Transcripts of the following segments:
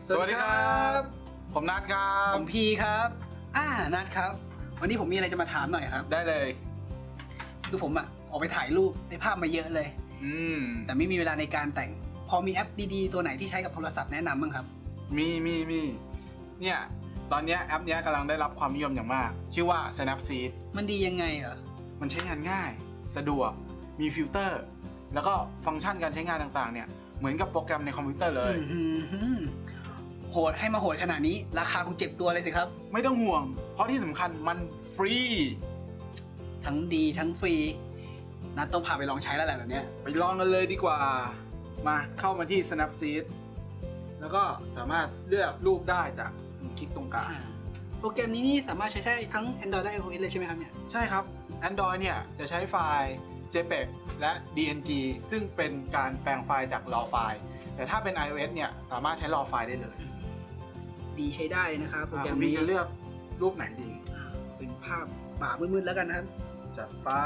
สวัสดีครับผมนัทครับผมพีครับนัทครับวันนี้ผมมีอะไรจะมาถามหน่อยครับได้เลยคือผมออกไปถ่ายรูปได้ภาพมาเยอะเลยแต่ไม่มีเวลาในการแต่งพอมีแอปดีๆตัวไหนที่ใช้กับโทรศัพท์แนะนำบ้างครับมีเนี่ยตอนนี้แอปนี้กำลังได้รับความนิยมอย่างมากชื่อว่า Snapseed มันดียังไงเหรอมันใช้งานง่ายสะดวกมีฟิลเตอร์แล้วก็ฟังก์ชันการใช้งานต่างๆเนี่ยเหมือนกับโปรแกรมในคอมพิวเตอร์เลยโหดให้มาโหดขนาดนี้ราคาคงเจ็บตัวเลยสิครับไม่ต้องห่วงเพราะที่สำคัญมันฟรีทั้งดีทั้งฟรีนัทต้องพาไปลองใช้แล้วแหละแบบเนี้ยไปลองกันเลยดีกว่ามาเข้ามาที่ Snapseed แล้วก็สามารถเลือกรูปได้จากคลิกตรงกลางโปรแกรมนี้นี่สามารถใช้ได้ทั้ง Android และ iOS เลยใช่ไหมครับเนี่ยใช่ครับ Android เนี่ยจะใช้ไฟล์ JPEG และ DNG ซึ่งเป็นการแปลงไฟล์จาก RAW ไฟล์แต่ถ้าเป็น iOS เนี่ยสามารถใช้ RAW ไฟล์ได้เลยดีใช้ได้นะครับโปรแกรมนี้จะเลือกรูปไหนดีเป็นภาพป่ามืดๆแล้วกันนะครับจัดไป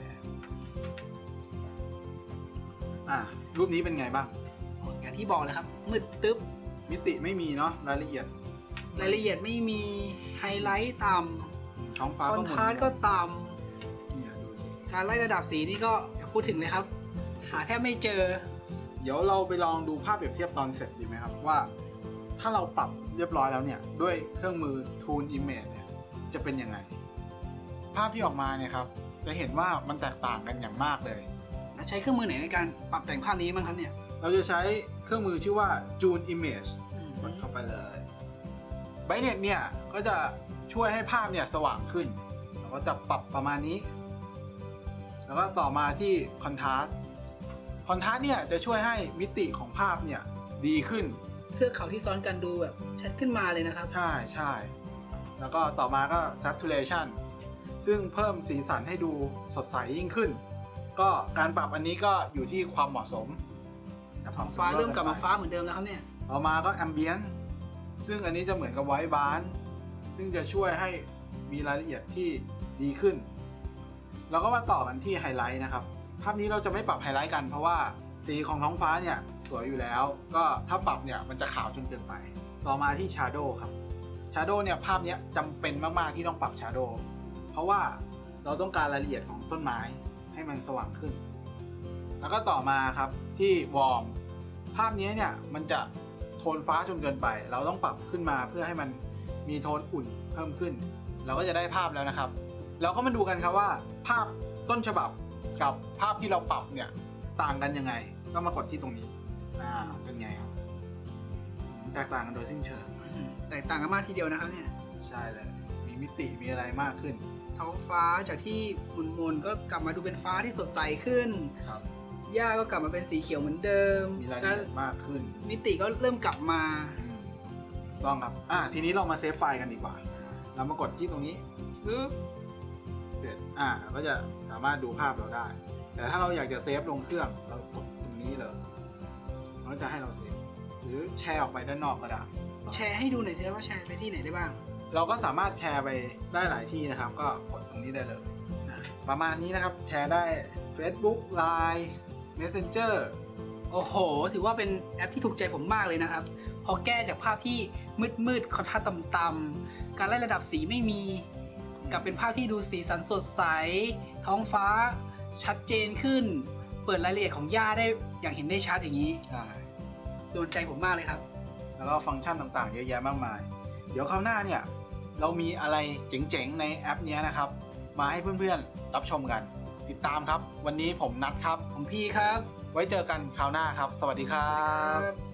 รูปนี้เป็นไงบ้างอย่างที่บอกเลยครับมืดตึ๊บมิติไม่มีเนาะรายละเอียดไม่มีไฮไลท์ต่ำท้องฟ้าคอนทราสต์ก็ต่ำการไล่ระดับสีนี่ก็อย่าพูดถึงเลยครับหาแทบไม่เจอเดี๋ยวเราไปลองดูภาพเปรียบเทียบตอนเสร็จดีไหมครับว่าถ้าเราปรับเรียบร้อยแล้วเนี่ยด้วยเครื่องมือ Toon Image เนี่ยจะเป็นยังไงภาพที่ออกมาเนี่ยครับจะเห็นว่ามันแตกต่างกันอย่างมากเลยใช้เครื่องมือไหนในการปรับแต่งภาพนี้บ้างครับเนี่ยเราจะใช้เครื่องมือชื่อว่า Toon Image กดเข้าไปเลย Brightness เนี่ยก็จะช่วยให้ภาพเนี่ยสว่างขึ้นเราก็จะปรับประมาณนี้แล้วก็ต่อมาที่ Contrast เนี่ยจะช่วยให้มิติของภาพเนี่ยดีขึ้นเทือกเขาที่ซ้อนกันดูแบบชัดขึ้นมาเลยนะครับใช่แล้วก็ต่อมาก็ Saturation ซึ่งเพิ่มสีสันให้ดูสดใสยิ่งขึ้นก็การปรับอันนี้ก็อยู่ที่ความเหมาะสมฟ้าเริ่มกลับมาฟ้าเหมือนเดิมแล้วครับเนี่ยต่อมาก็ Ambient ซึ่งอันนี้จะเหมือนกับ White Balance ซึ่งจะช่วยให้มีรายละเอียดที่ดีขึ้นแล้วก็มาต่อกันที่ไฮไลท์นะครับภาพนี้เราจะไม่ปรับไฮไลท์กันเพราะว่าสีของท้องฟ้าเนี่ยสวยอยู่แล้วก็ถ้าปรับเนี่ยมันจะขาวจนเกินไปต่อมาที่ Shadow ครับ Shadow เนี่ยภาพนี้จำเป็นมากๆที่ต้องปรับ Shadow เพราะว่าเราต้องการรายละเอียดของต้นไม้ให้มันสว่างขึ้นแล้วก็ต่อมาครับที่ Warm ภาพนี้เนี่ยมันจะโทนฟ้าจนเกินไปเราต้องปรับขึ้นมาเพื่อให้มันมีโทนอุ่นเพิ่มขึ้นเราก็จะได้ภาพแล้วนะครับเราก็มาดูกันครับว่าภาพต้นฉบับกับภาพที่เราปรับเนี่ยต่างกันยังไงก็มากดที่ตรงนี้เป็นไงครับแตกต่างกันโดยสิ้นเชิงแตกต่างกันมากทีเดียวนะครับเนี่ยใช่เลยมีมิติมีอะไรมากขึ้นท้องฟ้าจากที่หมุนๆก็กลับมาดูเป็นฟ้าที่สดใสขึ้นครับหญ้าก็กลับมาเป็นสีเขียวเหมือนเดิมมีรายละเอียดมากขึ้นมิติก็เริ่มกลับมาลองครับทีนี้เรามาเซฟไฟล์กันดีกว่าเรามากดที่ตรงนี้ปึ๊บเสร็จก็จะสามารถดูภาพเราได้แต่ถ้าเราอยากจะเซฟลงเครื่องเรากดตรงนี้เลยมันจะให้เราเซฟหรือแชร์ออกไปด้านนอกก็ได้แชร์ให้ดูหน่อยสิว่าแชร์ไปที่ไหนได้บ้างเราก็สามารถแชร์ไปได้หลายที่นะครับก็กดตรงนี้ได้เลยประมาณนี้นะครับแชร์ได้ Facebook Line Messenger โอ้โหถือว่าเป็นแอปที่ถูกใจผมมากเลยนะครับพอแก้จากภาพที่มืดคอนทราสต์ต่ำๆการไล่ระดับสีไม่มีกลับเป็นภาพที่ดูสีสันสดใสท้องฟ้าชัดเจนขึ้นเปิดรายละเอียดของหญ้าได้อย่างเห็นได้ชัดอย่างนี้โดนใจผมมากเลยครับแล้วก็ฟังก์ชันต่างๆเยอะแยะมากมายเดี๋ยวคราวหน้าเนี่ยเรามีอะไรเจ๋งๆในแอปนี้นะครับมาให้เพื่อนๆรับชมกันติดตามครับวันนี้ผมนัทครับผมพี่ครับไว้เจอกันคราวหน้าครับสวัสดีครับ